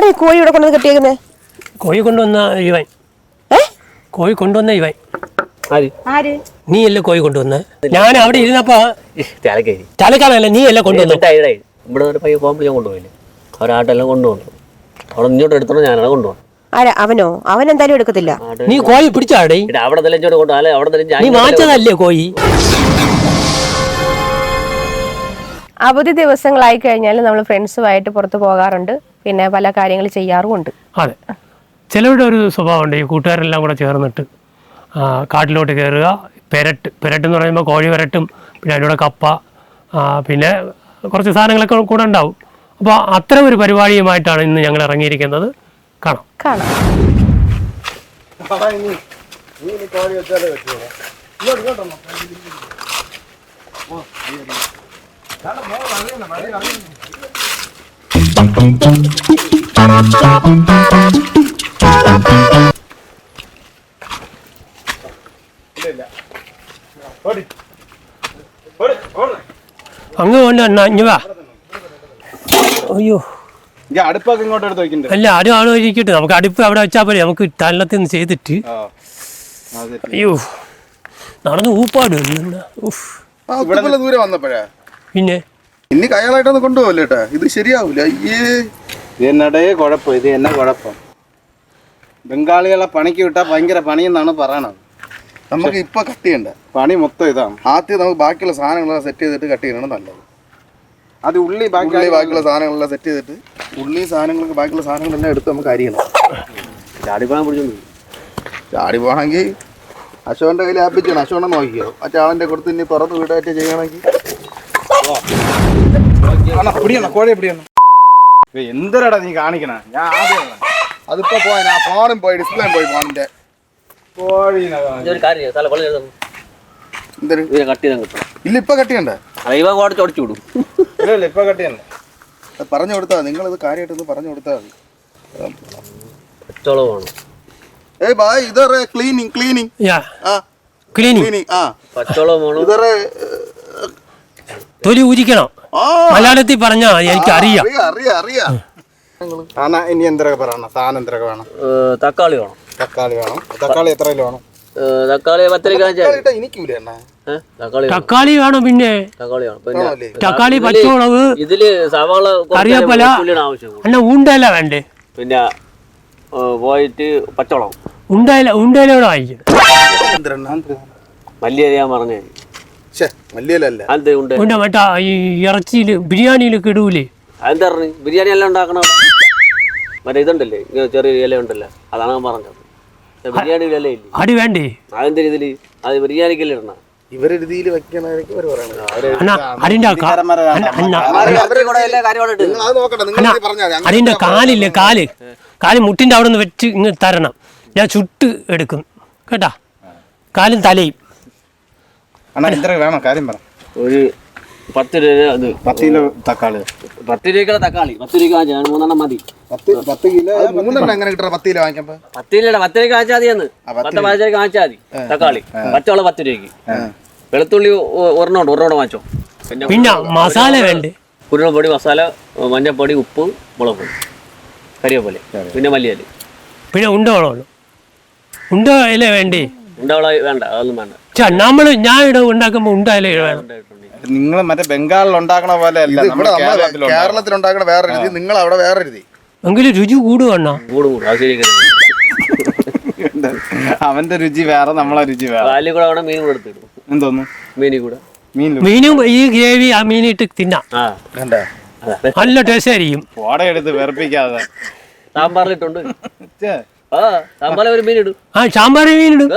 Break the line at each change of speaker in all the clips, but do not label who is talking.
ആരെ കോഴി ഇവിടെ കൊണ്ടുവന്ന് കെട്ടിയേക്കുന്നേ?
കോഴി കൊണ്ടുവന്ന ഇവൻ. കോഴി കൊണ്ടുവന്ന ഇവൻ. നീ അല്ലേ കോഴി കൊണ്ടുവന്ന? ഞാൻ അവിടെ ഇരുന്നപ്പോ തലക്കാലല്ല, നീ അല്ലേ കൊണ്ടുവന്ന?
ഇവിടെ ഒരു പയ്യ പോകുമ്പോൾ ഞാൻ കൊണ്ടുപോയില്ലേ, അവരാട്ടെല്ലാം കൊണ്ടുപോകുന്നു. അവിടെ ഇങ്ങോട്ട് എടുത്തോ, ഞാനാണ് കൊണ്ടുപോകും.
അവനോ? അവൻ എന്തായാലും എടുക്കത്തില്ല.
നീ കോഴി പിടിച്ചാടേ.
അവിടെ തന്നെ ഇങ്ങോട്ട് കൊണ്ടുപോകാം. അവിടെ
നീ മാറ്റതല്ലേ കോഴി?
അവധി ദിവസങ്ങളായി കഴിഞ്ഞാൽ നമ്മൾ ഫ്രണ്ട്സുമായിട്ട് പുറത്ത് പോകാറുണ്ട്, പിന്നെ പല കാര്യങ്ങൾ ചെയ്യാറുമുണ്ട്.
അതെ, ചിലരുടെ ഒരു സ്വഭാവമുണ്ട്, ഈ കൂട്ടുകാരെല്ലാം കൂടെ ചേർന്നിട്ട് കാട്ടിലോട്ട് കയറുക. പെരട്ടെന്ന് പറയുമ്പോൾ കോഴി പെരട്ടും, പിന്നെ അതിലൂടെ കപ്പ, പിന്നെ കുറച്ച് സാധനങ്ങളൊക്കെ കൂടെ ഉണ്ടാവും. അപ്പോൾ അത്തരം ഒരു പരിപാടിയുമായിട്ടാണ് ഇന്ന് ഞങ്ങൾ ഇറങ്ങിയിരിക്കുന്നത്. കാണാം. അങ്ങ് കൊണ്ട് ഇഞ്ഞു വാ. അയ്യോ,
അടുപ്പൊക്കെ ഇങ്ങോട്ട് എടുത്ത് വെക്കണ്ടേ?
അല്ല, ആരും ഇരിക്കട്ടെ, നമുക്ക് അടുപ്പ് അവിടെ വെച്ചാൽ പോലെ. നമുക്ക് തലത്തിൽ നിന്ന് ചെയ്തിട്ട്. അയ്യോ, നടന്ന് ഊപ്പാട്.
ദൂരെ വന്നപ്പോഴാ
പിന്നെ
ഇനി കയാളായിട്ടൊന്ന് കൊണ്ടുപോകല്ലേട്ടാ, ഇത് ശരിയാവൂല. ഇത് എന്നടേ കുഴപ്പം, ഇത് എന്നാ കുഴപ്പം? ബംഗാളികളെ പണിക്ക് വിട്ടാൽ ഭയങ്കര പണിയെന്നാണ് പറയണത്. നമുക്ക് ഇപ്പൊ കട്ട് ചെയ്യണ്ട, പണി മൊത്തം ഇതാണ്. ആദ്യം നമുക്ക് ബാക്കിയുള്ള സാധനങ്ങളെല്ലാം സെറ്റ് ചെയ്തിട്ട് കട്ട് ചെയ്യണം നല്ലത്. അത് ഉള്ളി ബാക്കിയുള്ള സാധനങ്ങളെല്ലാം സെറ്റ് ചെയ്തിട്ട് സാധനങ്ങൾക്ക് ബാക്കിയുള്ള സാധനങ്ങളെല്ലാം എടുത്ത് നമുക്ക് അരിയണം. ചാടി പോകണമെങ്കിൽ അശോകന്റെ കയ്യിൽ ആപ്പിച്ചാണ്, അശോകനെ നോക്കിയോ. മറ്റേ ആളിന്റെ കൊടുത്ത് ഇനി തുറന്ന് വീടായിട്ട് ചെയ്യണമെങ്കിൽ എന്തരടാ നീ കാണിക്കണ? ഞാൻ ആദ്യം അതിപ്പോ പോയി, ഞാൻ ഫോണും പോയി, ഡിസ്പ്ലേ പോയി ഫോണിന്റെ. ഇല്ല, ഇപ്പൊ കട്ട് ചെയ്യണ്ടേ? ഇല്ല, ഇപ്പൊ കട്ട് ചെയ്യണ്ട. പറഞ്ഞു കൊടുത്താ നിങ്ങൾ ഇത് കാര്യമായിട്ടൊന്ന് പറഞ്ഞു കൊടുത്താൽ മതി. ഏയ് ബായ്, ഇതറേ ക്ലീനിങ്
തൊലി ഊരിക്കണം. മലയാളത്തിൽ പറഞ്ഞാ എനിക്ക് അറിയാം.
ഇനി എന്തൊക്കെ പറയണം? സാധനം എന്തൊക്കെ വേണം?
തക്കാളി വേണം.
തക്കാളി എത്ര കിലോ വേണം?
തക്കാളി 10
തക്കാളി വേണം. പിന്നെ തക്കാളി, പച്ചമുളക്,
ഇതില് സവാള,
കറിവേപ്പില, അല്ല ഉണ്ടല്ല വേണ്ടേ?
പിന്നെ പോയിട്ട് പച്ചമുളക്
ഉണ്ടയിലൂടെ വാങ്ങിക്കും.
മല്ലിയരിയാൻ പറഞ്ഞേ.
ഉണ്ട് മറ്റാ ഈ ഇറച്ചിയില് ബിരിയാണിയിലൊക്കെ ഇടൂലേ?
അതെന്താ പറഞ്ഞു? ബിരിയാണി എല്ലാം ഉണ്ടാക്കണം. മറ്റേ ഇതുണ്ടല്ലേ, ചെറിയ ഇല ഉണ്ടല്ലോ, അതാണ് ഞാൻ പറഞ്ഞത്. ബിരിയാണി ഇല ഇല്ലേ?
അടി വേണ്ടേ?
അതെന്താ ഇതില്? അത് ബിരിയാണിക്കല്ലേ ഇടണം.
ഇവരെഴുതിയിൽ
അതിന്റെ കാലില്ലേ, കാല് മുട്ടിന്റെ അവിടെ നിന്ന് വെച്ച് ഇങ്ങ് തരണം. ഞാൻ ചുട്ട് എടുക്കും കേട്ടാ, കാലും തലയും.
വേണം കാര്യം പറ.
ഒരു 10 രൂപ. അത്
10 കിലോ തക്കാളി.
10 രൂപയ്ക്കുള്ള തക്കാളി 10 രൂപ വാങ്ങിച്ചാൽ 3 മതി.
10 കിലോ 3 എങ്ങനെ കിട്ടണം? 10 കിലോ വാങ്ങിക്കുമ്പോ
10 രൂപ 10 രൂപ വാങ്ങിച്ചാൽ മതിയെന്ന്. 10 രൂപ വാങ്ങിച്ചാൽ മതി തക്കാളി. പച്ചവള 10 രൂപയ്ക്ക്. വെളുത്തുള്ളി ഒരെണ്ണം വാങ്ങിച്ചോ.
പിന്നെ മസാല വേണ്ടേ?
കുരുമുളക് പൊടി, മസാല, മഞ്ഞൾപ്പൊടി, ഉപ്പ്, മുളക് പൊടി, കരിവേപ്പില, പിന്നെ മല്ലിയില.
പിന്നെ ഉണ്ട ഇല വേണ്ടേ?
ഉണ്ടവള വേണ്ട, അതൊന്നും വേണ്ട.
ഞാൻ ഇവിടെ ഉണ്ടാക്കുമ്പോ ഉണ്ടായാലേ വേണം.
നിങ്ങൾ മറ്റേ ബംഗാളിൽ ഉണ്ടാക്കണ പോലെ അല്ല, കേരളത്തിൽ ഉണ്ടാക്കണ വേറെ രീതി, നിങ്ങൾ അവിടെ വേറെ രീതി.
എങ്കിലും രുചി കൂടുവണ്ണ.
കൂടും.
അവന്റെ രുചി വേറെ, നമ്മളെ രുചി വേറെ.
കാലിൽ കൂടെ വേണം മീൻ കൂടെ എടുത്തിടും.
എന്തോന്നു?
മീനും ഈ ഗ്രേവി ആ മീനിട്ട് തിന്നാം, നല്ല ടേസ്റ്റ് ആയിരിക്കും.
എടുത്ത് വെറുപ്പിക്കാതെ
സാമ്പാറിലിട്ടുണ്ട്. സാമ്പാറിൽ ഒരു മീൻ ഇടും.
സാമ്പാറിൽ മീൻ ഇടും.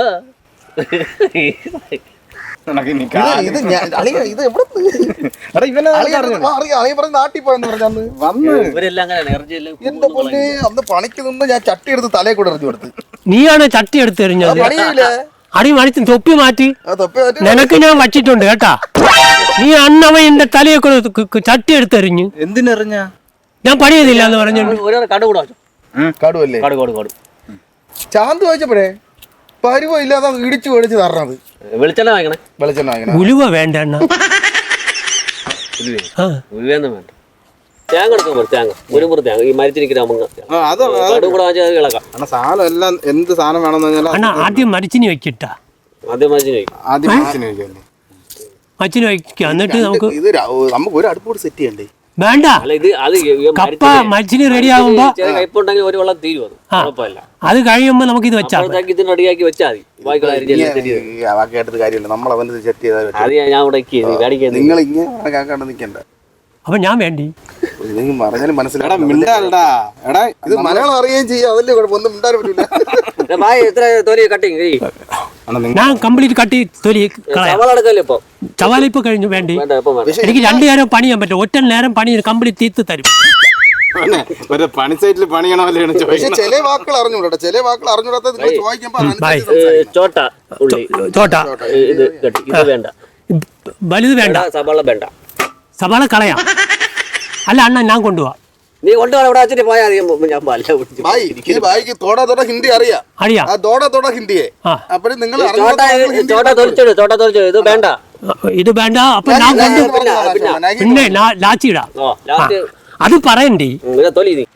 അന്ന് പണിക്ക് നിന്ന് ഞാൻ ചട്ടി എടുത്ത് തലയെ കൂടെ എറിഞ്ഞു കൊടുത്ത്.
നീയാണ് ചട്ടി എടുത്ത് എറിഞ്ഞത്? അടി മണിച്ച് തൊപ്പി മാറ്റി നിനക്ക് ഞാൻ വച്ചിട്ടുണ്ട് കേട്ടാ. നീ അന്നവ എന്റെ തലയെ കൂടെ ചട്ടി എടുത്തെറിഞ്ഞു.
എന്തിനെറിഞ്ഞ?
ഞാൻ പണി ചെയ്തില്ല എന്ന് പറഞ്ഞു.
കടുവല്ലേ? ചാന്ത് ചോദിച്ചപ്പോഴേ പരുവ ഇല്ലാതെ ഇടിച്ചു മേടിച്ച് തരണത്.
വെളിച്ചെണ്ണ വാങ്ങിക്കണേ.
ഉലുവ വേണ്ട.
ഉലുവയൊന്നും വേണ്ട. തേങ്ങ എടുക്കുമ്പോൾ തേങ്ങ ഒരു മുറി തേങ്ങ ഈ മരത്തിരിക്കുന്ന അമ്മങ്ങ
അത്
കടും കൂടെ വാങ്ങിച്ചാൽ അത് ഇളക്കാം.
അണ്ണാ സാധനം എല്ലാം എന്ത് സാധനം വേണമെന്ന് പറഞ്ഞാൽ
അണ്ണാ ആദ്യം മരിച്ചിന് വെക്കിട്ടാ,
ആദ്യം മരത്തിന് വയ്ക്കും.
ആദ്യം മരച്ചിന് വെക്കല്ലേ.
മച്ചിന് വയ്ക്കുക, എന്നിട്ട് നമുക്ക്
ഇത് നമുക്ക് ഒരു അടുപ്പോട് സെറ്റ് ചെയ്യണ്ടേ?
വേണ്ട.
അല്ല ഇത് അത്
കപ്പ മരിച്ചിന് റെഡി ആകുമ്പോ
കയ്പുണ്ടെങ്കിൽ ഒരു വെള്ളം തീരും, അത് കുഴപ്പമില്ല.
അത് കഴിയുമ്പോ നമുക്ക് ഇത് വെച്ചാൽ
അപ്പോഴത്തേക്ക് ഇതിന് റെഡിയാക്കി വെച്ചാൽ മതി. ബാക്കിയുള്ള
കേട്ടത് കാര്യമില്ല, നമ്മൾ അവന് സെറ്റ് ചെയ്താൽ
അത് ഞാൻ ഇവിടെ മേടിക്കുന്നത്.
നിങ്ങൾ ഇങ്ങനെ കേൾക്കാണ്ട് നിൽക്കണ്ട.
അപ്പൊ ഞാൻ വേണ്ടി
നിങ്ങൾ പറഞ്ഞാലും മനസ്സിലാടാ, മിണ്ടാടാ. എടാ ഇത് മലയാളം അറിയുകയും ചെയ്യാം, അതല്ലേ കുഴപ്പം. ഒന്നും മിണ്ടാൻ പറ്റില്ല.
ഭായ് എത്ര തൊലി കട്ടിങ്
ഞാൻ കംപ്ലീറ്റ് കട്ടി തൊലി കളയാം.
സവാള എടുക്കല്ലേ ഇപ്പൊ?
ചവാല ഇപ്പൊ കഴിഞ്ഞു വേണ്ടി.
വേണ്ട ഇപ്പം വേണ്ട.
എനിക്ക് 2 നേരം പണി ചെയ്യാൻ പറ്റും, ഒറ്റ നേരം പണി കംപ്ലീറ്റ് തീർത്ത് തരും.
ഒരു പണി സൈറ്റിൽ പണിയണമല്ലേ ചോദിക്കുന്നത്. ചില വാക്കുകൾ അറിഞ്ഞൂടാ, ചില വാക്കുകൾ അറിഞ്ഞൂടാത്ത നിങ്ങൾ ചോദിക്കുമ്പോ
ചോട്ട ഉള്ളി
ചോട്ട
ഇത് കട്ടി ഇത് വേണ്ട,
വലുത് വേണ്ട,
സവാള വേണ്ട.
സവാള കളയാം. അല്ല അണ്ണ ഞാൻ കൊണ്ടുപോവാ,
നീ കൊണ്ടുപോകാൻ ഇവിടെ വെച്ചിട്ട് പോയാൽ ഞാൻ പല്ല പിടിച്ചു.
ഭായിക്ക് തോടാ ഹിന്ദി അറിയാം.
അറിയാം.
ആ തോടാ ഹിന്ദിയെ അപ്പൊ നിങ്ങൾ
ചോട്ട തൊലിച്ചിട്, ചോട്ട തൊലിച്ചിട്. ഇത് വേണ്ട,
ഇത് വേണ്ട. അപ്പൊ ഞാൻ കൊണ്ടു പിന്നെ ലാച്ചിടാ. അത് പറയണ്ടേ
തൊലി നീ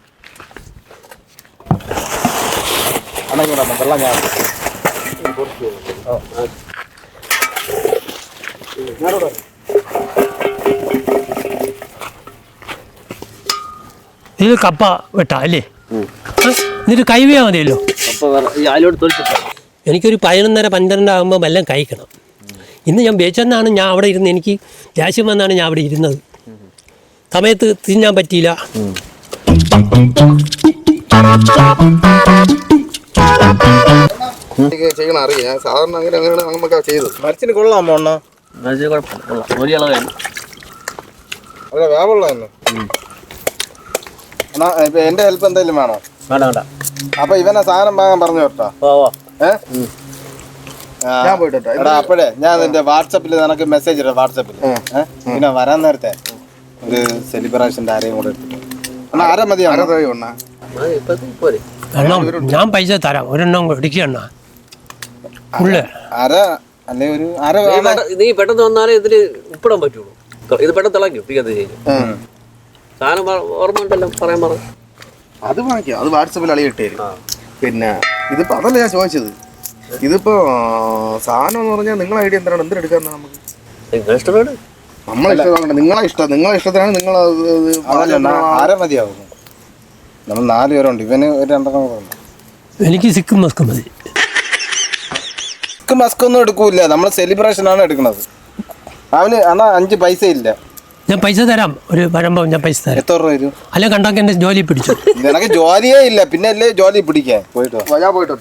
വെള്ളം ഞാൻ
ഇത് കപ്പ വെട്ടാ അല്ലേ? എന്നിട്ട് കൈവയാ മതിയല്ലോ.
അതിലോട്ട് തൊലിച്ചിട്ടാ.
എനിക്കൊരു 11:30-12 ആകുമ്പോൾ വല്ലതും കഴിക്കണം. ഇന്ന് ഞാൻ വെച്ചെന്നാണ് ഞാൻ അവിടെ ഇരുന്ന്, എനിക്ക് ദേഷ്യം വന്നാണ് ഞാൻ അവിടെ ഇരുന്നത്. സമയത്ത് തിന്നാൻ പറ്റിയില്ല.
ചെയ്യണം അറിയാം. ഞാൻ സാധാരണ അങ്ങനെ നമുക്ക് ചെയ്തു. മരച്ചിന് കൊള്ളാമോ അണ്ണ?
ഒരു ഇളവ് വേണം.
അതെ വേവുള്ള തന്നെ. എന്നാ ഇപ്പൊ എന്റെ ഹെൽപ്പ് എന്തെങ്കിലും വേണോ?
വേണ്ട വേണ്ട.
അപ്പൊ ഇവനെ സാധനം വാങ്ങാൻ പറഞ്ഞു കേട്ടോ. ഞാൻ പോയിട്ടോ. എടാ അപ്പോഴേ ഞാൻ നിന്റെ വാട്സപ്പിൽ നിനക്ക് മെസ്സേജ് ഇടാം. വാട്സപ്പിൽ പിന്നെ വരാൻ നേരത്തെ ഒരു സെലിബ്രേഷൻ്റെ ആരെയും കൂടെ എടുത്തിട്ട്. എന്നാ ആരാ മതി?
ഞാൻ പൈസ തരാം, ഒരെണ്ണം ഇടിക്കണ്ണ
അര അല്ലെ ഒരു അര.
നീ പെട്ടെന്ന് വന്നാലേ ഇതില് ഉപ്പിടാൻ പറ്റുള്ളൂ. ഇത് പെട്ടെന്ന് തിളക്കും. സാധനം ഓർമ്മ ഉണ്ടല്ലോ, പറയാൻ പറ.
അത് വാങ്ങിക്കാം, അത് വാട്സപ്പിൽ അളിയിട്ട് തരും. പിന്നെ ഇതിപ്പോ അതല്ല ഞാൻ ചോദിച്ചത്. ഇതിപ്പോ സാധനം എന്ന് പറഞ്ഞാൽ നിങ്ങളെ ഐഡിയ എന്താണ്? എന്തിനെടുക്കാന്ന് നമുക്ക്
നിങ്ങളെ ഇഷ്ടമാണ്.
നമ്മളെ ഇഷ്ടം, നിങ്ങളെ ഇഷ്ടത്തിനാണ്. നിങ്ങൾ ആര മതിയാവും. നമ്മൾ 4 പേരുണ്ട്, ഇവന് ഒരു 2 ഉണ്ട്.
എനിക്ക് സിക്കും മസ്കും മതി.
സിക്കും മസ്കൊന്നും എടുക്കൂല, നമ്മൾ സെലിബ്രേഷൻ ആണ് എടുക്കുന്നത്. അവന് അന്നാ 5 പൈസ ഇല്ല.
ഞാൻ പൈസ തരാം, ഒരു വരുമ്പോൾ ഞാൻ പൈസ തരാം.
എത്ര രൂപ വരും?
അല്ലെ കണ്ടാക്കി എന്റെ ജോലി പിടിച്ചു.
നിനക്ക് ജോലിയേ ഇല്ല, പിന്നെ അല്ലേ ജോലി പിടിക്കാൻ. ഞാൻ പോയിട്ടോ.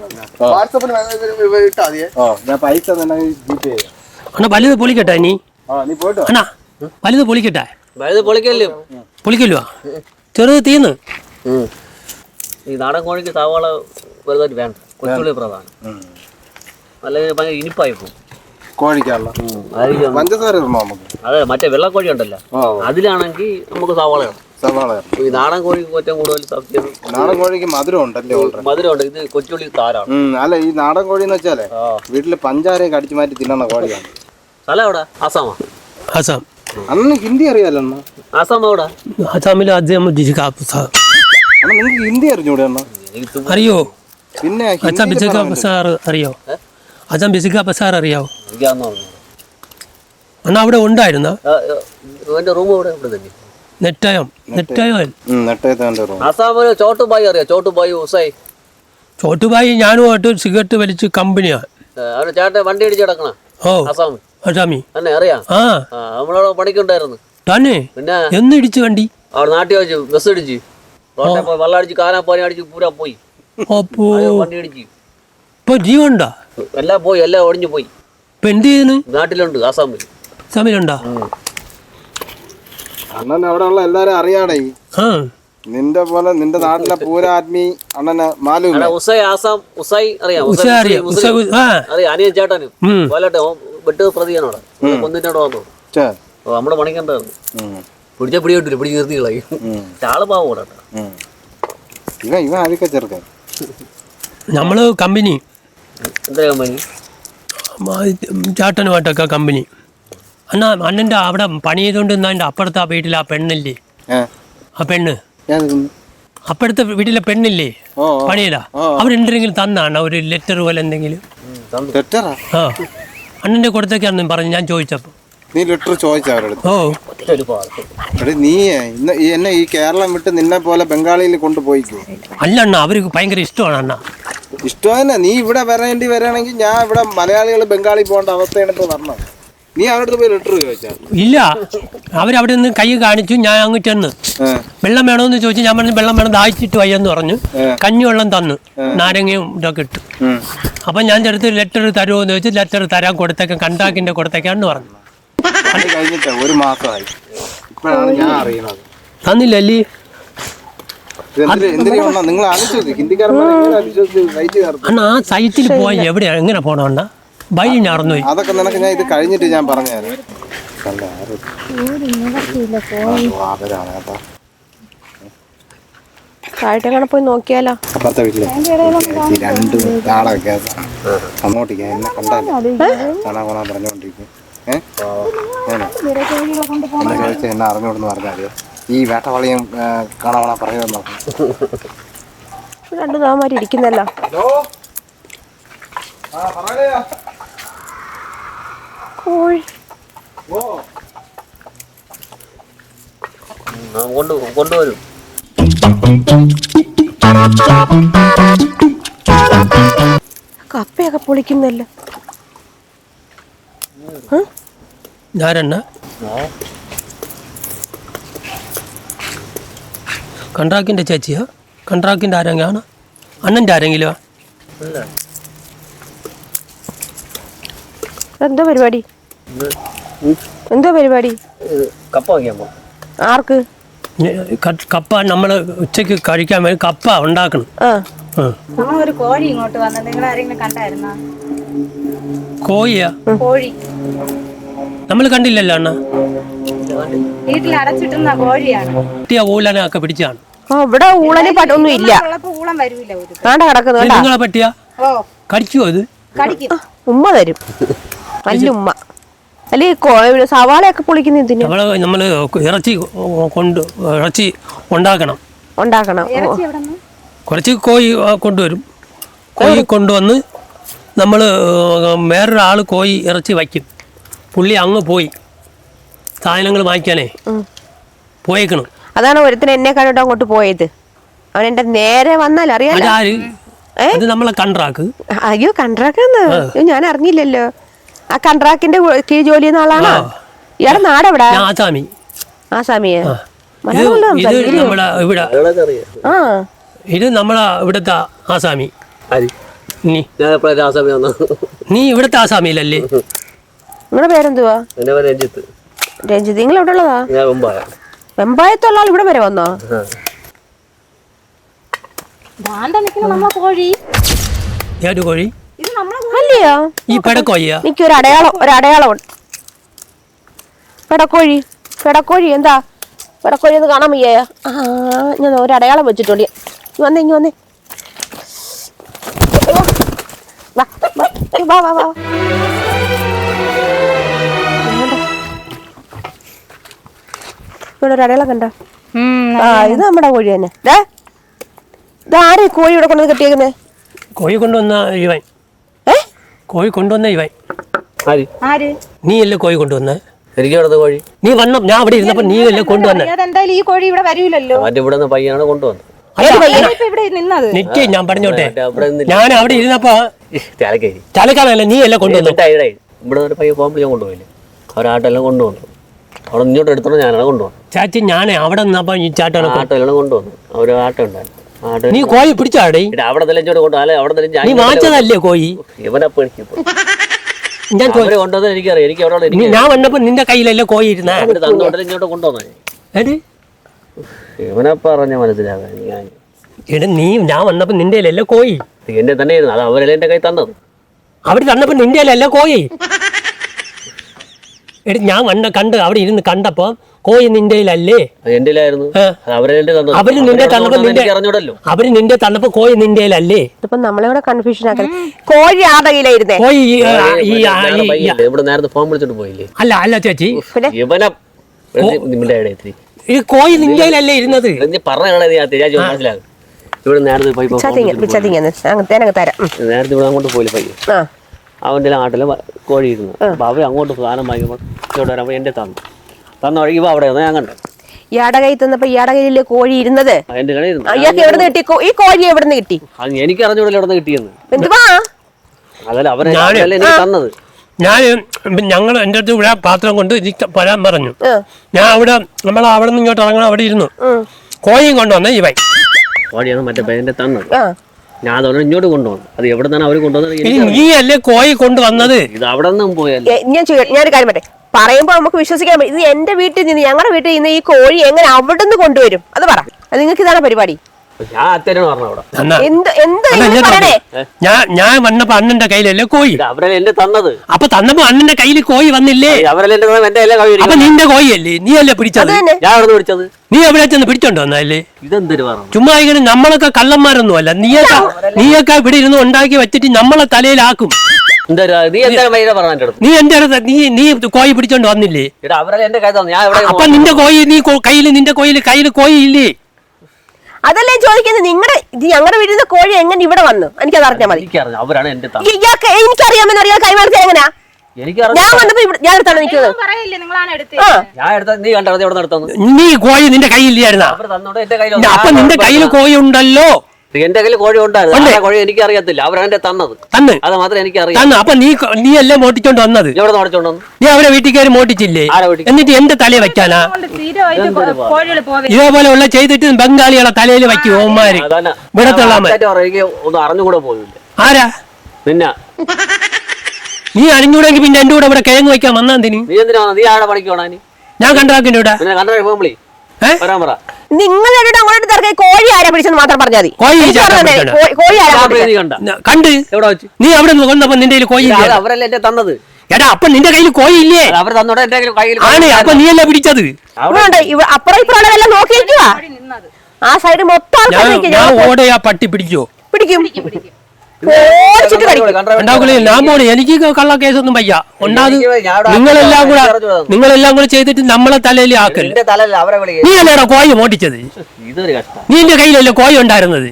ഞാൻ പൈസ ജിപേ ചെയ്യാം.
അണ്ണാ വലുത് പൊളിക്കട്ടെ നീ.
നീ പോയിട്ടോ.
അണ്ണാ വലുത് പൊളിക്കട്ടെ.
വലുത് പൊളിക്കല്ലോ.
പൊളിക്കല്ലോ, ചെറുത് തീന്ന്.
ഈ നാടൻ കോഴിക്ക് സവാള വലുതായിട്ട് വേണ്ട, കൊച്ചുള്ളി പ്രധാനം. അല്ലെങ്കിൽ ഭയങ്കര ഇനിപ്പായി പോകും
കോഴിക്കാണല്ലോ. പഞ്ചസാര നമുക്ക്.
അതെ, മറ്റേ വെള്ളക്കോഴി ഉണ്ടല്ലോ, അതിലാണെങ്കിൽ നമുക്ക് സവാള ഇടാം. ഈ നാടൻ കോഴിക്ക് ഏറ്റവും കൂടുതൽ സബ്സിഡി.
നാടൻ കോഴിക്ക് മധുരം ഉണ്ടല്ലേ?
മധുരമുണ്ട്. ഇത് കൊച്ചുള്ളി താരാണ്.
അല്ല ഈ നാടൻ കോഴി എന്ന് വെച്ചാലേ വീട്ടില് പഞ്ചാരയൊക്കെ അടിച്ചു മാറ്റി തിന്നണ കോഴിയാണ്.
സ്ഥലം എവിടെ? ആസാമാ?
ആസാം.
അന്ന് ഹിന്ദി അറിയാലോ?
ആസാം എവിടെ?
ആസാമിൽ
നിങ്ങൾക്ക് ഹിന്ദി അറിഞ്ഞൂടെ അണ്ണ?
അറിയോ?
പിന്നെ
അച്ഛാ ബിസിക്ക ബസാർ അറിയോ? അച്ഛാ ബിസിക്ക ബസാർ അറിയാവോ? അണ്ണാ അവിടെ ഉണ്ടായിരുന്ന
റൂം ഇവിടെ തന്നെ.
ആസാമില്
ചോട്ടുബായി അറിയാം? ചോട്ടുബായി ഉസൈ.
ചോട്ടുബായി ഞാനുമായിട്ട് സിഗരറ്റ് വലിച്ച് കമ്പനിയാണ്.
ചേട്ടൻ വണ്ടി അടിച്ച് കിടക്കണ.
ഓ
ആസാമി
ആസാമി
തന്നെ അറിയാം. നമ്മളവിടെ പണിക്കുണ്ടായിരുന്നു.
തന്നെ
പിന്നെ
എന്ന് ഇടിച്ചു വണ്ടി?
അവിടെ നാട്ടിൽ വെച്ച് ബസ് അടിച്ച് റോട്ടെ പോയി വെള്ളം അടിച്ച് കാനാപ്പാനി അടിച്ച് പൂരാ പോയി.
അപ്പോ
വണ്ടി അടിച്ച്
ഇപ്പൊ ജീവനുണ്ടോ?
എല്ലാം പോയി, എല്ലാം ഒടിഞ്ഞു പോയി.
ഇപ്പൊ എന്ത് ചെയ്യുന്നു?
നാട്ടിലുണ്ട്, ആസാമിൽ.
ആസാമിലുണ്ടോ?
അണ്ണൻ അവിടെ ഉള്ള എല്ലാരും അറിയാടേ. നിന്റെ പോലെ നിന്റെ നാട്ടിലെ പൂരാത്മി അണ്ണനെ മാലൂം.
ഉസൈ ആസാം ഉസൈ അറിയാം? അറിയാം, അനിയൻ ചേട്ടന് പോലട്ടെ വെട്ട് പ്രതിയാണോടെ കൊന്നിട്ടോടെ വന്നു. നമ്മുടെ പണിക്കണ്ടായിരുന്നു. പിടിച്ച പിടി കിട്ടില്ല, പിടിച്ച് നിർത്തി കളയും. ആള് പാവം കൂടെ.
ഇവൻ ആദ്യമൊക്കെ ചെറുക്കാൻ
നമ്മള് കമ്പനി.
എന്താ കമ്പനി?
ചാട്ടനുമായിട്ടൊക്കെ കമ്പനി. അണ്ണാ അണ്ണൻ്റെ അവിടെ പണി ചെയ്തുകൊണ്ട് നിന്നാ എൻ്റെ അപ്പുറത്തെ ആ വീട്ടിൽ ആ പെണ്ണില്ലേ, ആ പെണ്ണ്
ഞാൻ നിൽക്കുന്നു.
അപ്പഴത്തെ വീട്ടിലെ പെണ്ണില്ലേ
ഓ
പണിയില്ല അവരെന്തെങ്കിലും തന്നാണ് ഒരു ലെറ്റർ പോലെ എന്തെങ്കിലും
ലെറ്ററാ?
ആ അണ്ണൻ്റെ കൊടുത്തേക്കാണെന്ന് പറഞ്ഞു ഞാൻ ചോദിച്ചപ്പോൾ.
നീ ലെറ്റർ ചോദിച്ച അവരുടെ
ഓ
എടേ നീ ഇന്ന് എന്നെ ഈ കേരളം വിട്ട് നിന്നെ പോലെ ബംഗാളിയിൽ കൊണ്ടുപോയിക്കോ.
അല്ല അണ്ണ അവർക്ക് ഭയങ്കര ഇഷ്ടമാണ് അണ്ണ.
ഇഷ്ടം തന്നെ. നീ ഇവിടെ വരികയാണെങ്കിൽ ഞാൻ ഇവിടെ മലയാളികൾ ബംഗാളി പോകേണ്ട അവസ്ഥയാണ് ഇപ്പോൾ പറഞ്ഞത്. നീ അവരുടെ പോയി ലെറ്റർ ചോദിച്ചാൽ
ഇല്ല അവരവിടെ നിന്ന് കൈ കാണിച്ചു. ഞാൻ അങ്ങ് ചെന്ന് വെള്ളം വേണമെന്ന് ചോദിച്ചു. ഞാൻ പറഞ്ഞു വെള്ളം വേണം ദാഹിച്ചിട്ട് വയ്യെന്ന് പറഞ്ഞു. കഞ്ഞിവെള്ളം തന്നു നാരങ്ങയും ഇതൊക്കെ ഇട്ടു. അപ്പം ഞാൻ ചെറുത്ത് ലെറ്റർ തരുമോ എന്ന് ചോദിച്ചു. ലെറ്റർ തരാൻ കൊടുത്തേക്കാം കണ്ടാക്കിൻ്റെ കൊടുത്തേക്കാന്ന് പറഞ്ഞു.
കഴിഞ്ഞിട്ട് ഒരു മാസമായി. ഇപ്പോഴാണ് ഞാൻ അറിയുന്നത്.
തന്നില്ലല്ലേ
എന്തിനാ നിങ്ങൾ ആലോചിച്ചു ഹിന്ദിക്കാരൻ
അണ്ണ ആ സൈറ്റിൽ പോയി എവിടെയാണ് എങ്ങനെ പോകണം അണ്ണ ബൈലി നടന്നു പോയി.
അതൊക്കെ നിനക്ക് ഞാൻ ഇത് കഴിഞ്ഞിട്ട് ഞാൻ പറഞ്ഞുതരാം.
താഴത്തെങ്ങനെ പോയി നോക്കിയാലോ?
അപ്പുറത്തെ വീട്ടിലെ രണ്ട് നാളെ വ്യത്യാസം അങ്ങോട്ടേക്ക് എന്നെ കണ്ടാലോ കാണാൻ പോണാൻ പറഞ്ഞുകൊണ്ടിരിക്കും. ഞാനോ എന്നെ ചോദിച്ചാൽ എന്നെ അറിഞ്ഞോടെന്ന് പറഞ്ഞാൽ ഈ വേട്ടവളിയും കാണാൻ പറഞ്ഞു നോക്കാം.
രണ്ടു നാമാരി ഇരിക്കുന്നല്ലോ. കോഴി
കൊണ്ടുവരും.
കപ്പയൊക്കെ പൊളിക്കുന്നല്ലോ.
ഞാരെണ്ണ കൺട്രാക്കിൻ്റെ ചേച്ചിയാ? കൺട്രാക്കിൻ്റെ ആരെങ്കിലും അണ്ണൻ്റെ ആരെങ്കിലും?
എന്താ പരിപാടി? എന്താ പരിപാടി?
കപ്പ വയ്ക്കാൻ പോകും.
ആർക്ക്?
കപ്പ നമ്മൾ ഉച്ചയ്ക്ക് കഴിക്കാൻ വേണ്ടി കപ്പ ഉണ്ടാക്കണം.
ഒരു കോഴി ഇങ്ങോട്ട് വന്നത് നിങ്ങൾ ആരെങ്കിലും കണ്ടായിരുന്നോ?
കോഴിയാ?
കോഴി
നമ്മൾ കണ്ടില്ലല്ലോ അണ്ണ.
വീട്ടിൽ അടച്ചിട്ടുന്ന കോഴിയാണ്.
കുട്ടിയ ഊലനൊക്കെ പിടിച്ചാണ്.
ഇവിടെ ഊളന് പറ്റൊന്നും ഇല്ല.
ഊളം വരൂല ഒരു
ആണ്ട കിടക്കുന്നത്
നിങ്ങളെ പറ്റിയാ
ഓ
കടിക്കുമോ അത്?
കടിക്കും.
ഉമ്മ തരും നല്ല ഉമ്മ. അല്ലെ സവാളയൊക്കെ പൊളിക്കുന്ന ഇതിന്
നമ്മള് ഇറച്ചി ഉണ്ടാക്കണം.
ഇറച്ചി എവിടെ നിന്ന്?
കുറച്ച് കോഴി കൊണ്ടുവരും. കോഴി കൊണ്ടുവന്ന് നമ്മൾ വേറൊരാൾ കോഴി ഇറച്ചി വയ്ക്കും. പുള്ളി അങ്ങ് പോയി സാധനങ്ങൾ വാങ്ങിക്കാനേ പോയേക്കണം.
അതാണ് ഒരുത്തിന് എന്നെ കണ്ടിട്ട് അങ്ങോട്ട് പോയത്. അവൻ എന്റെ നേരെ വന്നാൽ അറിയാലോ.
അതാര്? അത് നമ്മളെ കൺട്രാക്ക്.
അയ്യോ കൺട്രാക്ടെന്ന് ഞാൻ അറിഞ്ഞില്ലല്ലോ. ആ കൺട്രാക്കിന്റെ കീഴ് ജോലി ചെയ്യുന്ന ആളാണോ? ഇയാളെ നാടെവിടാ?
ആസാമി.
ആസാമിയെ
ഇത് നമ്മളെ ഇവിടെ
ആ
ഇത് നമ്മളെ ഇവിടുത്തെ ആസാമി. നീ ഇവിടുത്തെ ആസാമിയിലല്ലേ?
നിങ്ങളുടെ പേരെന്തുവാ?
രഞ്ജിത്ത്.
രഞ്ജിത്ത്. നിങ്ങൾ എവിടെ ഉള്ളതാ? വെമ്പായത്തുള്ള ആൾ ഇവിടെ വരെ വന്നോ?
നമ്മളെ കോഴി
ഏത് കോഴി?
ഇത് നമ്മളെ
അല്ലയോ?
ഈ പെടക്കോഴിയാ?
എനിക്ക് ഒരു അടയാളം ഉണ്ട്. പെടക്കോഴി എന്താ പെടക്കോഴി ഒന്ന് കാണാൻ വയ്യ. ഞാൻ ഒരു അടയാളം വെച്ചിട്ടുണ്ട്. ഇങ്ങ് വന്നേ വാ. ഇവിടെ ഒരു അടയാളം കണ്ട? ഇത് നമ്മുടെ കോഴി തന്നെ. ഇതാരെ കോഴി ഇവിടെ കൊണ്ടുവന്ന് കെട്ടിയേക്കുന്നേ?
കോഴി കൊണ്ടുവന്ന ഇവൻ. കോഴി കൊണ്ടുവന്ന ഇവൻ.
ആര്?
നീ അല്ലേ കോഴി കൊണ്ടുവന്ന?
എനിക്ക് ഇവിടെ കോഴി
നീ വന്ന ഞാൻ അവിടെ ഇരുന്നപ്പോ നീ അല്ലേ കൊണ്ടുവന്ന?
അതെന്തായാലും ഈ കോഴി ഇവിടെ വരൂലല്ലോ.
ഇവിടെ പയ്യാണ് കൊണ്ടുവന്നത്.
ഇവിടെ നിന്നത്
നിക്ക് ഞാൻ പറഞ്ഞോട്ടെ. ഞാൻ അവിടെ ഇരുന്നപ്പോ ചാലക്കാലല്ല നീ അല്ലേ കൊണ്ടുവന്നു?
ഇവിടെ ഒരു പയ്യ പോകുമ്പോൾ ഞാൻ കൊണ്ടുപോയില്ലേ? അവരാട്ടെല്ലാം കൊണ്ടുവന്നു. അവിടെ ഇങ്ങോട്ട് എടുത്തോണ്ട് ഞാനാണ് കൊണ്ടുപോകുന്നത്.
ചാച്ചി ഞാൻ അവിടെ നിന്നപ്പോ ഈ
ആട്ടെല്ലാം കൊണ്ടുവന്നു. അവര് ആട്ടം ഉണ്ടായിരുന്നു.
നീ കോഴി പിടിച്ചാടേ?
അവിടെ തെളിഞ്ഞോട്ട് കൊണ്ടുപോകാം. അവിടെ
നീ വാങ്ങിച്ചതല്ലേ കോഴി?
ഇവനപ്പോ
ഞാൻ
കൊണ്ടുവന്നത് എനിക്കറിയാം. എനിക്ക് അവിടെ
ഞാൻ വന്നപ്പോ നിന്റെ കയ്യിലല്ലേ കോഴി ഇരുന്നേ?
ഇങ്ങോട്ട് കൊണ്ടുവന്നേ ഇവനപ്പ പറഞ്ഞ മനസ്സിലാകാൻ ഞാൻ.
എടാ നീ ഞാൻ വന്നപ്പോ നിന്റെ അല്ലേ കോഴി?
എന്റെ തന്നെ ആയിരുന്നു. അത് അവരല്ലേ എന്റെ കൈ തന്നത്.
അവര് തന്നപ്പോ നിന്റെ അല്ലേ കോഴി? എടാ ഞാൻ കണ്ട് അവിടെ ഇരുന്ന് കണ്ടപ്പോ കോഴി നിന്റെ അല്ലേ?
എന്റെയിലായിരുന്നു.
അവര് നിന്റെ തന്നപ്പോ കോഴി നിന്റെ അല്ലേ?
ഇതിപ്പോ നമ്മളെ കൺഫ്യൂഷൻ ആക്കുന്നത്. കോഴി ആരുടെ കയ്യിലായിരുന്നേ?
കോഴി
ഇവിടെ നേരത്തെ ഫോൺ വിളിച്ചോണ്ട് പോയില്ലേ?
അല്ല ചേച്ചി
ഇവനെ നിന്റെ
ഈ കോഴി നിന്റെയിലല്ലേ ഇരുന്നത്.
നീ പറഞ്ഞാണ് മനസ്സിലാകും. ഇവിടെ നേരത്തെ
തേനങ്ങ് തരാം.
നേരത്തെ ഇവിടെ അങ്ങോട്ട് പോയില്ല പയ്യ.
ആ
അവൻ്റെ നാട്ടിൽ കോഴി ഇരുന്നു. അപ്പൊ അവർ അങ്ങോട്ട് സാധനം വാങ്ങിയപ്പോൾ ഇങ്ങോട്ട് വരാൻ എന്റെ തന്ന വഴി ഇവ അവിടെ ഞാൻ കണ്ടു.
ഇയാടെ കൈ തന്നപ്പോ ഇയാടെ കയ്യിലെ കോഴി ഇരുന്നത്
എന്റെ കടയിൽ
ഇയാൾക്ക് എവിടെ നിന്ന് കിട്ടി? ഈ കോഴി എവിടെ നിന്ന് കിട്ടി?
എനിക്ക് അറിഞ്ഞൂടെ എവിടെ നിന്ന് കിട്ടിയെന്ന്.
എന്തുവാ
അതല്ല അവരല്ലേ എനിക്ക് തന്നത്.
ഞങ്ങൾ എൻ്റെ അടുത്ത് ഇവിടെ പാത്രം കൊണ്ട് വരാൻ പറഞ്ഞു. ഞാൻ അവിടെ നമ്മൾ അവിടെ നിന്ന് ഇങ്ങോട്ട് ഇറങ്ങണം. അവിടെ ഇരുന്നു കോഴിയും കൊണ്ടുവന്ന ഇവൻ
കോഴിയാണ് മറ്റേ പയ്യന്റെ തന്നത്. ഞാൻ അതോടെ ഇങ്ങോട്ട് കൊണ്ടുവന്നു. അത് എവിടെ നിന്നാണ് അവർ കൊണ്ടുവന്നത്?
നീ അല്ലേ കോഴി കൊണ്ടുവന്നത്?
ഇത് അവിടെ നിന്നും പോയല്ലേ.
ഞാനൊരു കാര്യം പറ്റേ പറയുമ്പോ നമുക്ക് വിശ്വസിക്കാൻ പറ്റും. ഇത് എന്റെ വീട്ടിൽ നിന്ന് ഞങ്ങളുടെ വീട്ടിൽ നിന്ന് ഈ കോഴി എങ്ങനെ അവിടെ നിന്ന് കൊണ്ടുവരും? അത് പറ. അത് നിങ്ങൾക്ക് ഇതാണ് പരിപാടി.
ഞാൻ അത്തേനാണ് പറഞ്ഞ അവിടെ.
ഞാൻ വന്നപ്പോ അണ്ണന്റെ കയ്യിലല്ലേ കോഴി.
അവരല്ലേ എന്റെ തന്നത്.
അപ്പൊ തന്നപ്പോ അണ്ണന്റെ കയ്യിൽ കോഴി വന്നില്ലേ?
അവരല്ലേ എന്റെ എല്ലാ കോഴി.
അപ്പൊ നിന്റെ കോഴിയല്ലേ? നീ അല്ലേ പിടിച്ചത്?
ഞാൻ അവിടെ പിടിച്ചത്.
നീ എവിടെ ചെന്ന് പിടിച്ചോണ്ട് വന്നല്ലേ?
ഇതെന്തൊരു പറഞ്ഞു.
ചുമ്മാ ഇങ്ങനെ നമ്മളൊക്കെ കള്ളന്മാരൊന്നും അല്ല. നീയൊക്കെ ഇവിടെ ഇരുന്ന് ഉണ്ടാക്കി വെച്ചിട്ട് നമ്മളെ തലയിലാക്കും. നീ എന്റെ അടുത്ത് നീ കോഴി പിടിച്ചോണ്ട് വന്നില്ലേ? അപ്പൊ നിന്റെ കോഴി നിന്റെ കയ്യിൽ കോഴി ഇല്ലേ?
അതല്ലേ ചോദിക്കുന്നത്. ഞങ്ങളുടെ വീട്ടിൽ നിന്ന് കോഴി എങ്ങനെ ഇവിടെ വന്നു? എനിക്കത് അറിഞ്ഞാൽ മതി. എനിക്കറിയാമെന്ന് അറിയാൻ കൈമാറി എങ്ങനെയാ? ഞാൻ വന്നപ്പോ ഞാൻ എടുത്താണ് നിൽക്കുന്നത്.
നീ കോഴി നിന്റെ കയ്യില്ലായിരുന്ന? അപ്പൊ നിന്റെ കയ്യിൽ കോഴി ഉണ്ടല്ലോ.
എന്റെ കയ്യിൽ കോഴി ഉണ്ടായിരുന്നു. കോഴി എനിക്ക് അറിയത്തില്ല. അവരാണ് തന്നത്. അത് മാത്രമേ എനിക്ക് അറിയാം.
അപ്പൊ നീ അല്ലേ മോട്ടിച്ചോണ്ട് വന്നത്? നീ അവരെ വീട്ടിൽ കയറി മോട്ടിച്ചില്ലേ? എന്നിട്ട് എന്റെ തലയെ വെക്കാനാ? ഇതേപോലെ ഉള്ള ചെയ്തിട്ട് ബംഗാളികളെ തലയിൽ വയ്ക്കും ഓന്മാര്.
ഒന്നും അറിഞ്ഞുകൂടെ പോയില്ല.
ആരാ?
നിന്ന
നീ അറിഞ്ഞൂടെങ്കിൽ പിന്നെ എന്റെ കൂടെ ഇവിടെ കിഴങ്ങ് വയ്ക്കാൻ വന്നാന്തിന്?
നീ എന്തിനാ? നീ ആടെ പണിക്കോണാ?
ഞാൻ കണ്ടാക്കിന്റെ ഇവിടെ
വരാൻ പറ.
നിങ്ങളുടെ അങ്ങോട്ട് തിരക്കായി കോഴി ആരാ പിടിച്ചെന്ന് മാത്രം പറഞ്ഞാൽ മതി. കോഴി ആരാ
കണ്ട് നീ അവിടെ കൊണ്ടപ്പോ നിന്റെ കയ്യിൽ കോഴി
അവരല്ലേ എന്റെ തന്നത്.
എടാ അപ്പൊ നിന്റെ കയ്യിൽ കോഴി ഇല്ലേ?
അവർ തന്നോടെ എന്റെ കയ്യിൽ
ആണ്. അപ്പൊ നീ അല്ലേ പിടിച്ചത്?
അപ്പുറം ഇപ്പുറം എല്ലാം നോക്കിയിരിക്കുക. ആ സൈഡ് മൊത്തം
ഞാൻ ഓടയാ പട്ടി പിടിക്കോ?
പിടിക്കും.
ഞാൻ പോണേ. എനിക്ക് കള്ള കേസൊന്നും വയ്യ. ഉണ്ടാകും നിങ്ങളെല്ലാം കൂടെ ചെയ്തിട്ട് നമ്മളെ തലയിൽ ആക്കല്. നീ അല്ലേടാ കോഴി മോട്ടിച്ചത്? നീ എന്റെ കയ്യിലല്ലേ കോഴി ഉണ്ടായിരുന്നത്?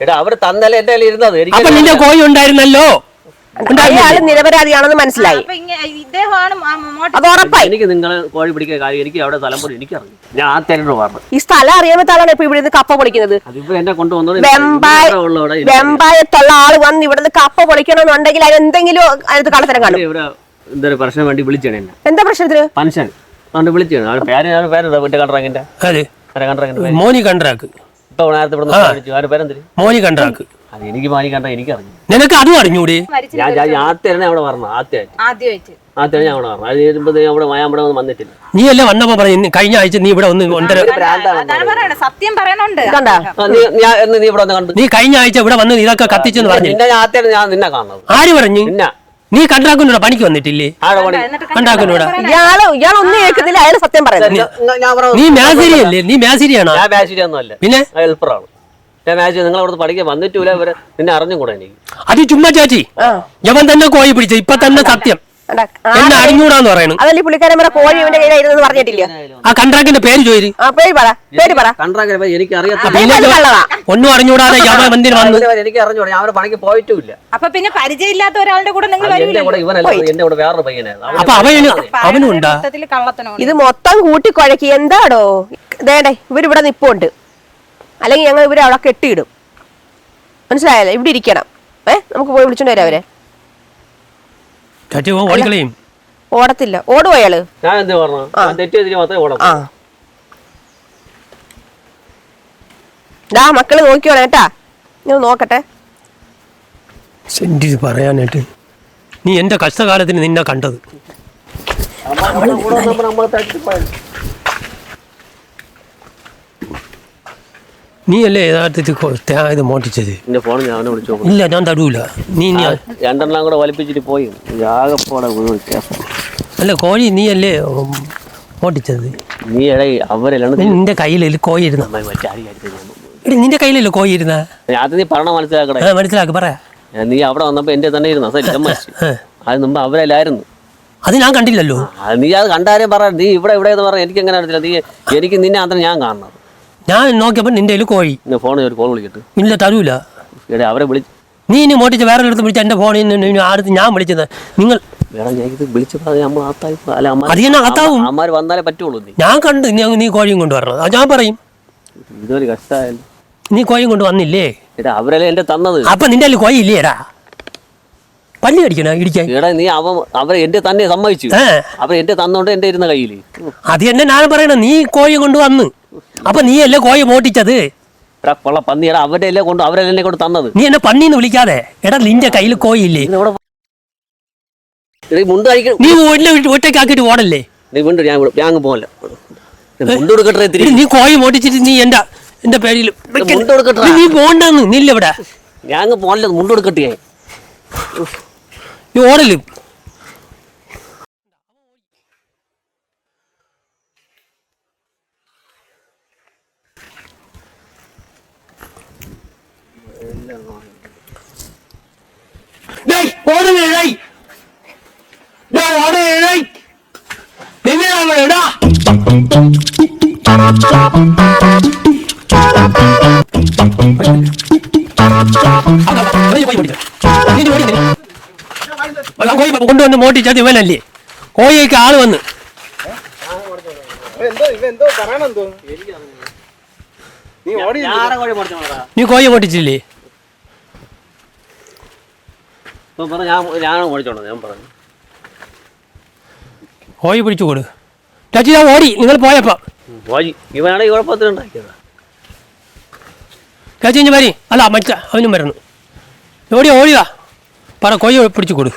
അപ്പൊ നിന്റെ കോഴി ഉണ്ടായിരുന്നല്ലോ.
അയാള് നിരപരാധിയാണെന്ന് മനസ്സിലായി. അത് ഉറപ്പായി.
എനിക്ക് നിങ്ങളെ കോഴി പിടിക്കുന്ന കാര്യം എനിക്ക് അവിടെ തലമുറ എനിക്കറിയാം. ഞാൻ ആ തെരഞ്ഞു പറഞ്ഞു.
ഈ സ്ഥലം അറിയാൻ പറ്റാണ് ഇപ്പൊ ഇവിടെ കപ്പ പൊളിക്കുന്നത്.
എന്നെ കൊണ്ടുവന്നത്
വെമ്പായത്തുള്ള ആള് വന്ന് ഇവിടുന്ന് കപ്പ പൊളിക്കണമെന്നുണ്ടെങ്കിൽ അതിനെന്തെങ്കിലും അതിനകത്ത് കള്ളത്തരം കാണും.
ഇവിടെ എന്തൊരു പ്രശ്നം വേണ്ടി വിളിച്ചാണ് എന്നെ.
എന്താ പ്രശ്നത്തിന്?
പെൻഷൻ അതുകൊണ്ട് വിളിച്ചാണ്. പേര് കണ്ട്രാക്കിന്റെ
മോനി കണ്ട്രാക്ക്.
ഇപ്പൊ നേരത്തെ പേരെന്തിന്
മോനി കണ്ട്രാക്ക്.
അത് എനിക്ക് മാനി കണ്ട എനിക്കറിഞ്ഞു.
നിനക്ക് അതും അറിഞ്ഞൂടെ?
ആദ്യം അവിടെ പറഞ്ഞു. ആദ്യമായിട്ട് ഞാൻ അവിടെ പറഞ്ഞു. അത് ചെയ്യുമ്പോ അവിടെ അവിടെ ഒന്നും വന്നിട്ടില്ല.
നീ അല്ലേ വന്നപ്പോ പറഞ്ഞു കഴിഞ്ഞ ആഴ്ച നീ ഇവിടെ ഒന്ന്
സത്യം പറയണുണ്ട്.
നീ ഇവിടെ വന്ന് കണ്ടു.
നീ കഴിഞ്ഞ ആഴ്ച ഇവിടെ വന്ന് ഇതൊക്കെ കത്തിച്ചെന്ന് പറഞ്ഞു.
ഞാൻ നിന്നെ കാണുന്നത്.
ആര് പറഞ്ഞു? നീ കണ്ട്രാക്കിനോട് പണിക്ക് വന്നിട്ടില്ലേ? കണ്ട്രാക്കിനോട്
ഇയാളൊന്നും കേൾക്കുന്നില്ല. അയാൾ സത്യം പറയുന്നത്.
നീ മേശരിയല്ലേ? നീ മേശരിയാണോ?
ഞാൻ മേശരിയൊന്നുമല്ല.
പിന്നെ
ഹെൽപ്പറാണ്. നിങ്ങൾ അവിടുന്ന് പഠിക്കാൻ വന്നിട്ടില്ല. ഇവരെ നിന്നെ അറിഞ്ഞും കൂടെ എനിക്ക്.
അത് ചുമ്മാ ചേച്ചി. യവൻ തന്നെ കോഴി പിടിച്ച ഇപ്പൊ തന്നെ സത്യം എന്നെ അറിഞ്ഞൂടാന്ന് പറയണു.
അതല്ലേ പുള്ളിക്കാരൻ കോഴി ഇവന്റെ കയ്യിലായിരുന്നു പറഞ്ഞിട്ടില്ല.
ആ കണ്ട്രാക്കിന്റെ പേര് ചോദിച്ചു.
എനിക്ക്
ഒന്നും അറിഞ്ഞൂടാതെ യവൻ എന്തിനു വന്നു?
എനിക്ക് അറിഞ്ഞൂടാ. ഞാൻ അവരെ പണിക്ക് പോയിട്ടുമില്ല.
അപ്പൊ പിന്നെ പരിചയമില്ലാത്ത ഒരാളുടെ കൂടെ നിങ്ങൾ
എന്റെ കൂടെ വേറൊരു പയ്യനായിരുന്നു.
അപ്പൊ അവനും ഉണ്ടാ?
ഇത് മൊത്തം കൂട്ടിക്കുഴക്കി എന്താടോ? ദേണ്ടേ ഇവരിവിടെ നിപ്പുണ്ട്. അല്ലെങ്കിൽ ഞങ്ങൾ ഇവരെ അവിടെ കെട്ടിയിടും. മനസ്സിലായല്ലോ? ഇവിടെ ഇരിക്കണം. നമുക്ക് പോയി വിളിച്ചോണ്ട് വരാം അവരെ. ഓടത്തില്ല. ഓടുവോ അയാള്?
ഞാൻ എന്താ പറഞ്ഞു? തെറ്റ് മാത്രമേ ഓടാം.
മക്കള് നോക്കിയോളെ കേട്ടാ. ഞാൻ നോക്കട്ടെ.
പറയാനായിട്ട് നീ എന്റെ കഷ്ടകാലത്തിന് നിന്നെ കണ്ടത്. നീ അല്ലേ യഥാർത്ഥത്തിൽ ഇത് മോട്ടിച്ചത്? ഇല്ല ഞാൻ തടൂല. നീ
രണ്ടെണ്ണം കൂടെ വലിപ്പിച്ചിട്ട് പോയി.
അല്ല കോഴി നീ അല്ലേ മോട്ടിച്ചത്?
നീ അവരെല്ലാം
നിന്റെ കയ്യിലല്ലേ കോഴി ഇരുന്ന? നിന്റെ കയ്യിലല്ലോ കോഴി ഇരുന്ന?
അത് നീ പറഞ്ഞ മനസ്സിലാക്കണേ.
മനസ്സിലാക്കി പറയാ.
നീ അവിടെ വന്നപ്പോ എന്റെ തന്നെ ഇരുന്ന അത് മുമ്പ് അവരെല്ലായിരുന്നു.
അത് ഞാൻ കണ്ടില്ലല്ലോ.
നീ അത് കണ്ടാരും പറ, നീ ഇവിടെ എന്ന് പറഞ്ഞാൽ എനിക്ക് എങ്ങനെ അറിയത്തില്ല. നീ എനിക്ക് നിന്നെ അത്ര ഞാൻ കാണണം.
ഞാൻ നോക്കിയപ്പോൾ നിന്റെ കയ്യിൽ കോഴി.
ഫോണിൽ ഒരു കോൾ വിളിക്കട്ടെ.
ഇല്ല, തരൂല.
അവരെ വിളിച്ച്
നീ ഇനി മോട്ടിച്ച് വേറെ അടുത്ത് വിളിച്ച എൻ്റെ ഫോണിൽ നിന്ന് അടുത്ത് ഞാൻ വിളിച്ചത് നിങ്ങൾ
അമ്മമാര് വന്നാലേ പറ്റുള്ളൂ.
ഞാൻ കണ്ട് നീ കോഴിയും കൊണ്ട് വരണം. അത് ഞാൻ പറയും.
ഇതൊരു കഷ്ടമായാലും
നീ കോഴിയും കൊണ്ട് വന്നില്ലേ?
അവരല്ലേ എന്റെ തന്നത്.
അപ്പൊ നിന്റെ കയ്യിൽ കോഴി ഇല്ലേടാ? പല്ലി കടിക്കണ ഇടിക്കാൻ?
എടാ നീ അവരെ എന്റെ തന്നെ സമ്മതിച്ചു. അവർ എന്റെ തന്നോണ്ട് എന്റെ ഇരുന്ന കയ്യില്.
അത് തന്നെ ഞാൻ പറയണ. നീ കോഴി കൊണ്ട് വന്ന് അപ്പൊ നീ അല്ലേ കോഴി മോട്ടിച്ചത്?
കൊള്ള പന്നിയുടെ അവരെ കൊണ്ട് അവരെന്നെ കൊണ്ട് തന്നത്.
നീ എന്നെ പന്നീന്ന് വിളിക്കാതെ. എടാ നിന്റെ കയ്യിൽ കോഴി ഇല്ലേ?
മുണ്ട് കഴിക്കണം.
നീ ഒറ്റക്കാക്കിട്ട് ഓടല്ലേ?
നീ മുണ്ട് ഞാൻ പോകല. മുണ്ട് കൊടുക്കട്ടെ.
നീ കോഴി മോട്ടിച്ചിട്ട് നീ എന്റെ പേരിൽ
മുണ്ട് കൊടുക്കട്ടെ.
നീ പോണ്ടെന്ന്. നീല്ല ഇവിടെ.
ഞാൻ പോകല. മുണ്ട് കൊടുക്കട്ടെ.
നീ ഓടല്. കൊണ്ടുവന്ന് മോട്ടിച്ചത് ഇവനല്ലേ? കോഴിക്ക് ആള് വന്ന് നീ കോഴി മോട്ടിച്ചില്ലേ? കോഴി പിടിച്ചു കൊടു. ചാച്ചി ഞാൻ ഓടി. നിങ്ങൾ പോയപ്പോ
ഇവനാണെങ്കിൽ കുഴപ്പത്തിലുണ്ടാക്കിയതാ.
ചാച്ചി ഇഞ്ഞ് വരി. അല്ല മറ്റ അവനും വരുന്നു. ഓടിയാ പറ. കോഴി പിടിച്ചു കൊടു.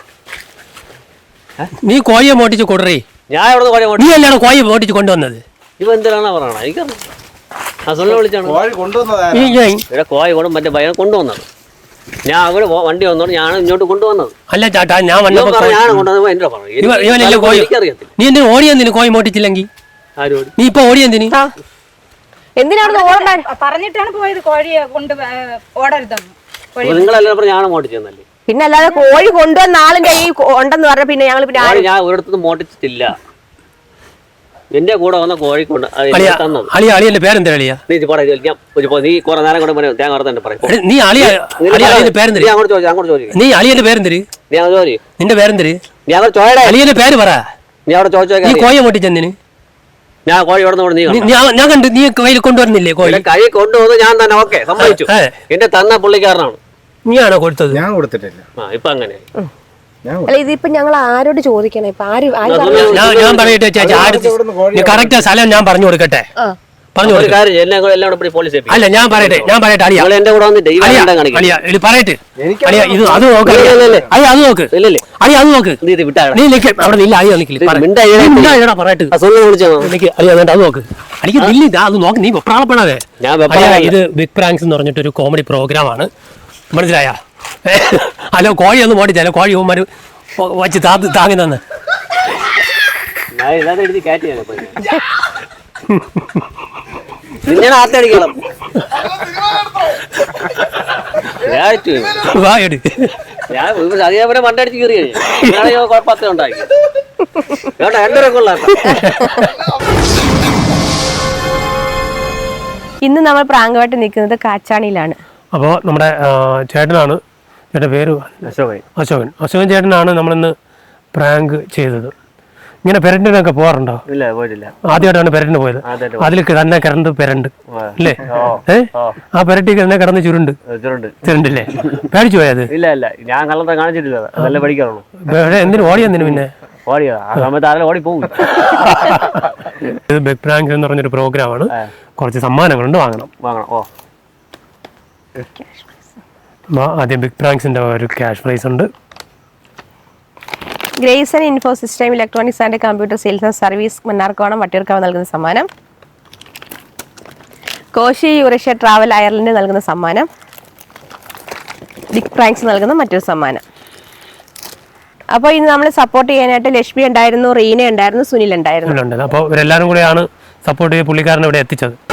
നീ കോഴിയെ മോട്ടിച്ച് കൊടുറേ.
ഞാൻ ഇവിടെ
നീ അല്ലാണ് കോഴി മോട്ടിച്ച് കൊണ്ടുവന്നത്.
ഇവ എന്തിനാണ് പറയണ? എനിക്കറിയാം. വിളിച്ചാണ് കോഴി കൊണ്ട് മറ്റേ ഭയം കൊണ്ടുവന്നത്. ഞാൻ അവിടെ വണ്ടി വന്നോണ്ട് ഞാൻ ഇങ്ങോട്ട് കൊണ്ടുവന്നത്.
അല്ല ചാട്ടാ, ഞാൻ വന്നപ്പോ നീ എന്തിനു ഓടിയെന്തിനു കോഴി മോട്ടിച്ചില്ലെങ്കിൽ? നീ ഇപ്പൊ ഓടിയെന്തിന്?
എന്തിനാണ്
പറഞ്ഞിട്ടാണ് പോയത് കോഴിയെ കൊണ്ട് ഓടരുതെന്ന്.
നിങ്ങളെല്ലാം ഞാൻ മോട്ടിച്ചെന്നല്ലേ?
പിന്നെ അല്ലാതെ കോഴി കൊണ്ടുവന്ന ആളിന്റെ കൈ ഉണ്ടെന്ന് പറഞ്ഞ പിന്നെ ഞങ്ങൾ
ഞാൻ ഒരിടത്തും മോട്ടിച്ചിട്ടില്ല. എന്റെ കൂടെ വന്ന കോഴിക്കൊണ്ട്
അളിയന്റെ പേരെന്താ? അളിയ
നീ കുറെ നേരം കൊണ്ട് തേങ്ങ വറുത്തന്നെ പറയും.
നീ അളിയന്റെ പേരെന്തര്? നീ അളിയന്റെ പേരെന്തര്? നിന്റെ പേരെന്തര്? അളിയന്റെ പേര് പറ.
നീ അവിടെ ചോദിച്ചോ.
നീ കോഴി മോട്ടിച്ചെന്തിന്?
ഞാൻ കോഴി
ഞാൻ കണ്ടു. നീ കയ്യിൽ കൊണ്ടുവരുന്നില്ലേ കോഴി?
കൈ കൊണ്ടുവന്ന് ഞാൻ തന്നെ ഓക്കെ സമ്മതിച്ചു. എന്റെ തന്ന പുള്ളിക്കാരനാണ്.
നീയാണോ കൊടുത്തത്?
ഞാൻ കൊടുത്തിട്ടില്ല.
ഇപ്പൊ അങ്ങനെ
അല്ല, ഇതിപ്പോ ഞങ്ങൾ ആരോട് ചോദിക്കണം? ഇപ്പൊ
ഞാൻ പറയട്ടെ ചേച്ചി, കറക്റ്റ് സ്ഥലം ഞാൻ പറഞ്ഞു കൊടുക്കട്ടെ? പറഞ്ഞു അല്ല, ഞാൻ പറയട്ടെ അളിയ പറയട്ടെ. ഇത് അത് നോക്ക്. അത് നോക്ക്. അത് നോക്ക്. നീ അവിടെ നില്ല. അളിയ പറയട്ടെ. അത് നോക്ക്. അടിക്ക് നില്ല. അത് നോക്ക്. നീ പ്രാളപ്പെടാതെ. ഇത് ബിഗ് പ്രാങ്ക്സ് എന്ന് പറഞ്ഞിട്ടൊരു കോമഡി പ്രോഗ്രാമാണ്. മനസ്സിലായ? അല്ല, കോഴി ഒന്നും മോട്ടിച്ചല്ല. കോഴി ഉമ്മാര് വച്ച് താങ്ങി തന്ന്
അതേപോലെ മണ്ടടിച്ച് കയറി കുഴപ്പത്തിലുണ്ടാക്കി.
ഇന്ന് നമ്മൾ പ്രാങ്കമായിട്ട് നിൽക്കുന്നത് കാച്ചാണിയിലാണ്.
അപ്പോൾ നമ്മുടെ ചേട്ടനാണ്. ചേട്ടൻ്റെ പേര് അശോകൻ ചേട്ടനാണ് നമ്മളിന്ന് പ്രാങ്ക് ചെയ്തത്. ഇങ്ങനെ പെരണ്ടിനൊക്കെ പോകാറുണ്ടോ?
ഇല്ല, പോയിട്ടില്ല.
ആദ്യമായിട്ടാണ് പെരണ്ടിന് പോയത്. അതിലേക്ക് തന്നെ കിടന്ന് പെരണ്ട് അല്ലേ? ആ പെരട്ടിക്ക് തന്നെ കിടന്ന് ചുരുണ്ടില്ലേ? പേടിച്ചു പോയത്?
ഇല്ല, ഞാൻ കള്ളത്തെ കാണിച്ചിട്ടില്ല. നല്ല പഠിക്കാറുള്ളൂ.
എന്തിനു ഓടിയെന്തിനു? പിന്നെ
ഓടി പോകും.
ഇത് ബിഗ് പ്രാങ്ക് എന്ന് പറഞ്ഞൊരു പ്രോഗ്രാമാണ്. കുറച്ച് സമ്മാനങ്ങളുണ്ട്. വാങ്ങണം. ആദ്യം ബിഗ് പ്രാങ്ക്സിന്റെ ഒരു ക്യാഷ് പ്രൈസ് ഉണ്ട്.
Grace info system electronics and computer sales and service Mannarkonam Vattiyoorkavu നൽകുന്ന സമ്മാനം. കോശി യൂറേഷ്യ ട്രാവൽ അയർലൻഡ് നൽകുന്ന സമ്മാനം. ബിഗ് പ്രാങ്ക്സ് നൽകുന്ന മറ്റൊരു സമ്മാനം. അപ്പോൾ ഇന്ന് നമ്മൾ സപ്പോർട്ട് ചെയ്യാനായിട്ട് ലക്ഷ്മി ഉണ്ടായിരുന്നു, റീന ഉണ്ടായിരുന്നു, സുനിൽ ഉണ്ടായിരുന്നു.
അപ്പോൾ ഇവരെല്ലാവരും കൂടെയാണ് സപ്പോർട്ട് ചെയ്ത് പുള്ളിക്കാരനെ ഇവിടെ എത്തിച്ചത്.